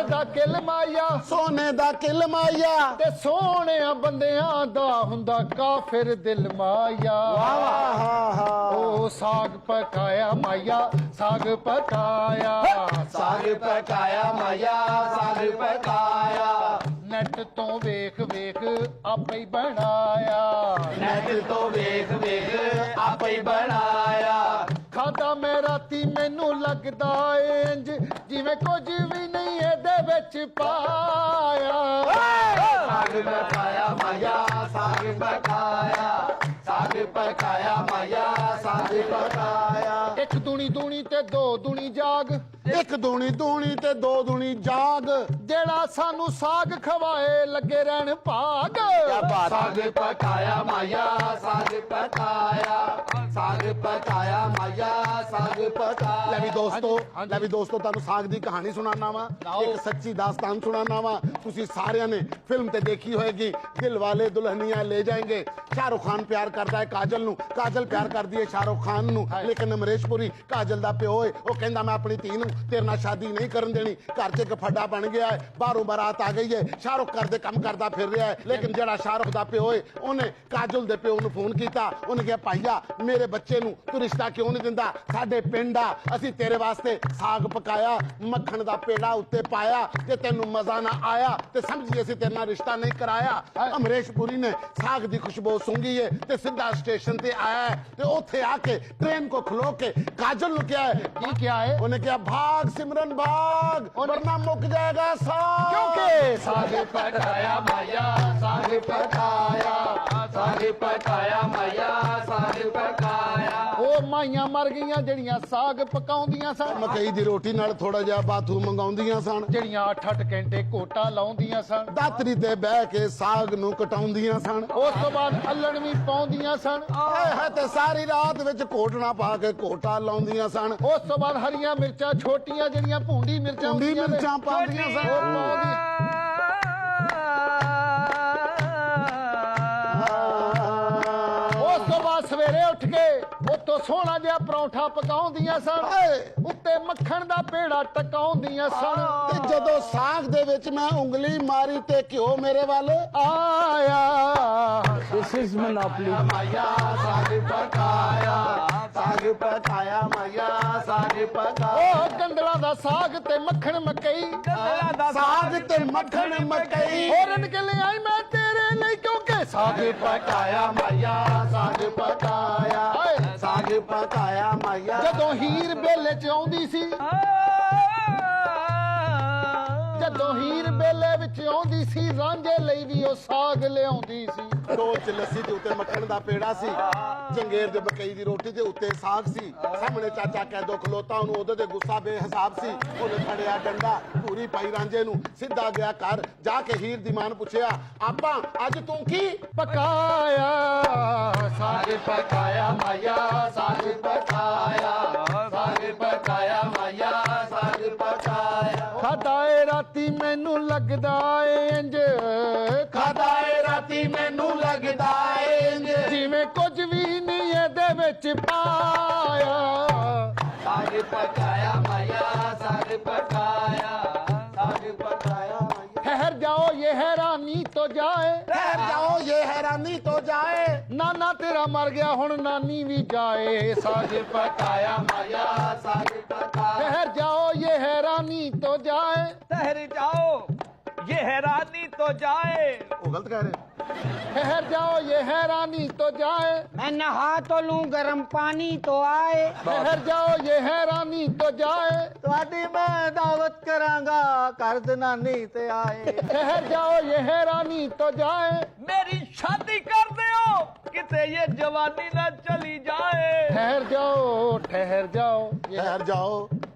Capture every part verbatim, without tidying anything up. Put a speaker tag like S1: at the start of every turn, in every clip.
S1: दा किल माया
S2: सोने दा किल माया
S1: ते सोहणियां बंदियां दा हुंदा काफिर दिल माया ओ साग पकाया माया साग पकाया
S2: साग पकाया माया साग पकाया
S1: नैट तो वेख वेख आपे ही बनाया
S2: नैट तो वेख वेख आपे ही बनाया
S1: खादा मैं राती मैनू लगदा इंज जिवें कुछ भी नहीं एदे विच पाया
S2: साग पकाया माया साग पकाया साग पकाया माया साग पकाया
S1: एक दुनी दुनी ते दो दुनी जाग
S2: एक दूनी दूनी ते दो दूनी जाग
S1: जेड़ा सानू साग खवाए लगे रहन भाग
S2: साग पकाया माया साग पकाया साग पकाया माया साग पकाया ले भी दोस्तों ले भी दोस्तों ਤੁਹਾਨੂੰ ਸਾਗ ਦੀ ਕਹਾਣੀ ਸੁਣਾਉਣਾ ਵਾ ਇੱਕ ਸੱਚੀ ਦਾਸਤਾਨ ਸੁਣਾਉਣਾ ਵਾ ਤੁਸੀਂ ਸਾਰਿਆਂ ਨੇ ਫਿਲਮ ਤੇ ਦੇਖੀ ਹੋਏਗੀ ਦਿਲ ਵਾਲੇ ਦੁਲਹਨੀਆਂ ਲੈ ਜਾਏਂਗੇ ਸ਼ਾਹਰੁਖ ਖਾਨ ਪਿਆਰ ਕਰਦਾ ਹੈ ਕਾਜਲ ਨੂੰ ਕਾਜਲ ਪਿਆਰ ਕਰਦੀ ਹੈ ਸ਼ਾਹਰੁਖ ਖਾਨ ਨੂੰ ਲੇਕਿਨ ਅਮਰੀਸ਼ ਪੁਰੀ ਕਾਜਲ ਦਾ ਪਿਓ ਹੈ ਉਹ ਕਹਿੰਦਾ ਮੈਂ ਆਪਣੀ ਧੀ ਨੂੰ ਤੇਰੇ ਨਾਲ ਸ਼ਾਦੀ ਨਹੀਂ ਕਰਨ ਦੇਣੀ ਘਰ 'ਚ ਇੱਕ ਫੱਡਾ ਬਣ ਗਿਆ ਹੈ ਬਾਹਰੋਂ ਬਾਰਾਤ ਆ ਗਈ ਹੈ ਸ਼ਾਹਰੁਖ ਘਰ ਦੇ ਕੰਮ ਕਰਦਾ ਫਿਰ ਰਿਹਾ ਹੈ ਲੇਕਿਨ ਜਿਹੜਾ ਸ਼ਾਹਰੁਖ ਦਾ ਪਿਓ ਹੈ ਉਹਨੇ ਕਾਜਲ ਦੇ ਪਿਓ ਨੂੰ ਫੋਨ ਕੀਤਾ ਉਹਨੇ ਕਿਹਾ ਭਾਈਆ ਮੇਰੇ ਬੱਚੇ ਨੂੰ ਤੂੰ ਰਿਸ਼ਤਾ ਕਿਉਂ ਨਹੀਂ ਦਿੰਦਾ ਸਾਡੇ ਪਿੰਡ ਆ ਅਸੀਂ ਤੇਰੇ ਵਾਸਤੇ ਸਾਗ ਪਕਾਇਆ ਮੱਖਣ ਦਾ ਪੇੜਾ ਉੱਤੇ ਪਾਇਆ ਤੇ ਤੈਨੂੰ ਮਜ਼ਾ ਨਾ ਆਇਆ ਤੇ ਸਮਝੀ ਅਸੀਂ ਤੇਰੇ ਨਾਲ ਰਿਸ਼ਤਾ ਨਹੀਂ ਕਰਾਇਆ ਅਮਰੀਸ਼ ਪੁਰੀ ਨੇ ਸਾਗ ਦੀ ਖੁਸ਼ਬੂ ਸੁੰਘੀ ਹੈ ਤੇ ਸਿੱਧਾ ਸਟੇਸ਼ਨ ਤੇ ਆਇਆ ਤੇ ਉੱਥੇ ਆ ਕੇ ਟ੍ਰੇਨ ਕੋ ਖਲੋ ਕੇ ਕਾਜਲ ਨੂੰ ਕਿਹਾ ਹੈ
S1: की क्या है
S2: ਉਹਨੇ ਕਿਹਾ ਭਾਗ ਸਿਮਰਨ ਭਾਗ ਵਰਨਾ ਮੁੱਕ ਜਾਏਗਾ ਸਾਗ
S1: क्योंकि
S2: ਸਾਗ ਪਕਾਇਆ ਮਾਇਆ ਸਾਗ ਪਕਾਇਆ ਸਾਗ ਪਕਾਇਆ ਮਾਇਆ ਸਾਗ ਪਕਾਇਆ
S1: ਉਹ ਮਾਈਆਂ ਮਰ ਗਈਆਂ ਜਿਹੜੀਆਂ ਸਾਗ ਪਕਾਉਂਦੀਆਂ ਸਨ
S2: ਮਕਈ ਦੀ ਰੋਟੀ ਨਾਲ ਥੋੜਾ ਜਿਹਾ ਬਾਥੂ ਮੰਗਾਉਂਦੀਆਂ ਸਨ
S1: ਜਿਹੜੀਆਂ ਅੱਠ ਅੱਠ ਘੰਟੇ ਕੋਟਾ ਲਾਉਂਦੀਆਂ ਸਨ
S2: ਦਾਤਰੀ ਤੇ ਬਹਿ ਕੇ ਸਾਗ ਨੂੰ ਕਟਾਉਂਦੀਆਂ ਸਨ
S1: ਉਸ ਤੋਂ ਬਾਅਦ ਅੱਲਣ ਵੀ ਪਾਉਂਦੀਆਂ ਸਨ
S2: ਇਹ ਤੇ ਸਾਰੀ ਰਾਤ ਵਿੱਚ ਕੋਟਣਾ ਪਾ ਕੇ ਕੋਟਾ ਲਾਉਂਦੀਆਂ ਸਨ
S1: ਉਸ ਤੋਂ ਬਾਅਦ ਹਰੀਆਂ ਮਿਰਚਾਂ ਛੋਟੀਆਂ ਜਿਹੜੀਆਂ ਭੂੰਡੀ ਮਿਰਚਾਂ
S2: ਭੂੰਡੀ
S1: ਹੁੰਦੀਆਂ ਨੇ,
S2: ਮਿਰਚਾਂ ਪਾਉਂਦੀਆਂ ਸਨ।
S1: ਉਹ ਪਾਉਂਦੀ- ਉਸ ਤੋਂ ਬਾਅਦ ਸਵੇਰੇ ਉੱਠ ਕੇ ਉੱਤੋਂ ਸੋਹਣਾ ਜਿਹਾ ਪਰੌਂਠਾ ਪਕਾਉਂਦੀਆਂ ਸਨ ਉੱਤੇ ਮੱਖਣ ਦਾ ਪੇੜਾ ਟਕਾਉਂਦੀਆਂ ਸਨ
S2: ਤੇ ਜਦੋਂ ਸਾਗ ਦੇ ਵਿੱਚ ਮੈਂ ਉਂਗਲੀ ਮਾਰੀ ਤੇ ਘਿਓ ਮੇਰੇ ਵੱਲ
S1: ਆਇਆ
S3: This is monopoly.
S2: ਮਾਇਆ ਸਾਗ ਪਕਾਇਆ ਸਾਗ ਪਕਾਇਆ ਮਾਇਆ ਸਾਗ ਪਕਾਇਆ
S1: ਉਹ ਗੰਦਲਾਂ ਦਾ ਸਾਗ ਤੇ ਮੱਖਣ ਮਕਈ
S2: ਸਾਗ ਤੇ ਮੱਖਣ ਮਕਈ
S1: ਹੋਰਨ ਕੇ ਲਈ ਆਈ ਮੈਂ ਤੇਰੇ ਲਈ ਕਿਉਂਕਿ ਸਾਗ
S2: ਪਕਾਇਆ ਮਾਇਆ ਸਾਗ ਪਕਾਇਆ
S1: ਹਾਏ।
S2: ਸਾਗ ਪਕਾਇਆ ਮਾਇਆ
S1: ਜਦੋਂ ਹੀਰ ਬੇਲੇ ਚ ਆਉਂਦੀ ਸੀ ਜਦੋਂ ਹੀਰ ਬੇਲੇ ਵਿੱਚ ਆਉਂਦੀ ਸੀ ਰਾਂਝੇ ਲਈ ਵੀ ਉਹ ਸਾਗ ਲਿਆਉਂਦੀ ਸੀ
S2: ਢੋਲ ਚ ਲੱਸੀ ਦੇ ਉੱਤੇ ਮੱਖਣ ਦਾ ਪੇੜਾ ਸੀ ਜੰਗੇਰ ਦੇ ਮਕਈ ਦੀ ਰੋਟੀ ਦੇ ਉੱਤੇ ਸਾਗ ਸੀ ਸਾਹਮਣੇ ਚਾਚਾ ਕੈਦੋ ਖਲੋਤਾ ਉਹਨੂੰ ਉਹਦੇ ਤੇ ਗੁੱਸਾ ਬੇਹਿਸਾਬ ਸੀ ਉਹਨੇ ਫੜਿਆ ਡੰਡਾ ਪੂਰੀ ਪਾਈ ਰਾਂਝੇ ਨੂੰ ਸਿੱਧਾ ਗਿਆ ਘਰ ਜਾ ਕੇ ਹੀਰ ਦੀ ਮਾਂ ਨੂੰ ਪੁੱਛਿਆ ਆਪਾਂ ਅੱਜ ਤੂੰ ਕੀ
S1: ਪਕਾਇਆ
S2: ਸਾਗ ਪਕਾਇਆ ਮਾਇਆ ਸਾਗ ਪਕਾਇਆ ਸਾਗ ਪਕਾਇਆ ਮਾਇਆ ਸਾਗ ਪਕਾਇਆ
S1: ਖਾਦਾ ਏ ਰਾਤੀ ਮੈਨੂੰ ਲੱਗਦਾ ਏ ਇੰਜ
S2: ਖਾਦਾ ਏ ਰਾਤੀ ਮੈਨੂੰ ਲੱਗਦਾ ਏ
S1: ਜਿਵੇਂ ਕੁਝ ਵੀ ਨਹੀਂ ਇਹਦੇ ਵਿੱਚ ਪਾਇਆ
S2: ਸਾਗ ਪਕਾਇਆ ਮਾਇਆ ਸਾਗ ਪਕਾਇਆ ਸਾਗ ਪਕਾਇਆ ਮਾਇਆ
S1: ਠਹਿਰ ਜਾਓ ਇਹ ਹੈਰਾਨੀ ਤੋਂ ਜਾਏ
S2: ਠਹਿਰ ਜਾਓ ਇਹ ਹੈਰਾਨੀ ਤੋਂ ਜਾਏ
S1: ਨਾਨਾ ਤੇਰਾ ਮਰ ਗਿਆ ਹੁਣ ਨਾਨੀ ਵੀ ਜਾਏ ਸਾਗ
S2: ਪਕਾਇਆ ਮਾਇਆ ਸਾਗ ਪਕਾਇਆ
S1: ठहर जाओ ये हैरानी तो जाए
S3: ठहर जाओ ये हैरानी तो जाए।
S2: ਉਹ ਗਲਤ ਕਹਿ ਰਹੇ
S1: ठहर जाओ ये हैरानी तो जाए
S3: मैं नहा तो लूं गर्म पानी तो आए।
S1: ठहर जाओ ये हैरानी तो जाए
S3: ਤੁਹਾਡੀ ਮੈਂ ਦਾਵਤ ਕਰਾਂਗਾ ਕਰ ਦਨਾਨੀ ਤੇ ਆਏ।
S1: ठहर जाओ ये हैरानी तो जाए
S3: मेरी शादी कर दियो किते ये जवानी ना चली जाए।
S1: ठहर जाओ ठहर जाओ ये
S2: ਠਹਿਰ ਜਾਓ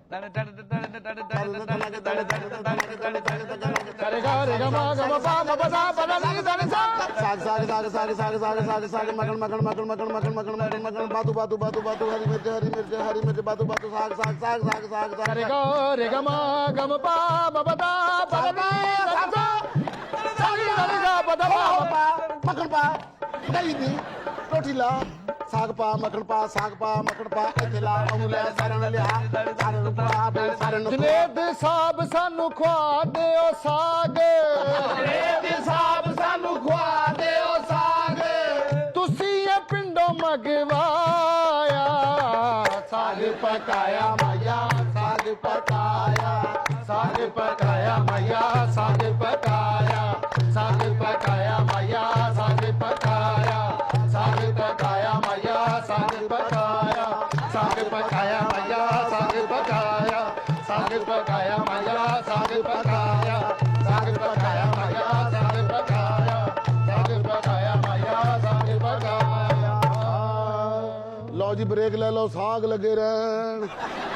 S1: करेगा रेगा मा गा मा पा मा बा दा बा दा नी दा नी सा
S2: ਸਾਗ ਸਾਗ ਸਾਗ ਸਾਗ ਸਾਗ ਸਾਗ ਸਾਗ ਸਾਗ ਮਗਣ ਮਗਣ ਮਗਣ ਮਗਣ ਮਗਣ ਮਗਣ ਮਗਣ ਮਗਣ ਬਾਦੂ ਬਾਦੂ ਬਾਦੂ ਬਾਦੂ ਹਰੀ ਮਿਰਚ ਹਰੀ ਮਿਰਚ ਹਰੀ ਮਿਰਚ ਬਾਦੂ ਬਾਦੂ ਸਾਗ ਸਾਗ ਸਾਗ ਸਾਗ ਸਾਗ ਸਾਗ
S1: करेगा रेगा मा गा मा पा मा बा दा बा दा नी दा नी सा सा नी दा नी सा बा दा मा मा पा
S2: ਮੱਖਣ ਪਾ ਦਹੀਂ ਦੀ ਰੋਟੀ ਲਾ ਸਾਗ ਪਾ ਮੱਖਣ ਪਾ ਸਾਗ ਪਾ ਮੱਖਣ ਪਾ ਇੱਥੇ ਲਾ ਉਹਨੂੰ ਲੈ ਸਾਰਿਆਂ ਨੂੰ ਲਿਆ ਸਾਰਿਆਂ ਨੂੰ ਪਾ ਬੇ ਸਾਰਿਆਂ ਨੂੰ
S1: ਜਨੇਦ ਸਾਹਿਬ ਸਾਨੂੰ ਖਵਾ ਦਿਓ ਸਾਗ
S2: ਜਨੇਦ ਸਾਹਿਬ ਸਾਨੂੰ ਖਵਾ ਦਿਓ ਸਾਗ
S1: ਤੁਸੀਂ ਇਹ ਪਿੰਡੋਂ ਮੰਗਵਾਇਆ
S2: ਸਾਗ ਪਕਾਇਆ ਮਾਇਆ ਸਾਗ ਪਕਾਇਆ
S1: ਸਾਗ ਪਕਾਇਆ ਮਾਇਆ ਸਾਗ ਪਕਾਇਆ ਸਾਗ ਪਕਾਇਆ ਮਾਇਆ ਸਾਗ ਪਕਾਇਆ ਸਾਗ ਪਕਾਇਆ ਮਾਇਆ ਸਾਗ ਪਕਾਇਆ ਸਾਗ ਪਕਾਇਆ ਮਾਇਆ ਸਾਗ ਪਕਾਇਆ ਸਾਗ ਪਕਾਇਆ ਮਾਇਆ ਸਾਗ ਪਕਾਇਆ ਸਾਗ ਪਕਾਇਆ ਮਾਇਆ ਸਾਗ ਪਕਾਇਆ ਸਾਗ ਪਕਾਇਆ ਮਾਇਆ ਸਾਗ ਪਕਾਇਆ
S2: ਲਓ ਜੀ ਬ੍ਰੇਕ ਲੈ ਲਓ ਸਾਗ ਲੱਗੇ ਰਹਿਣ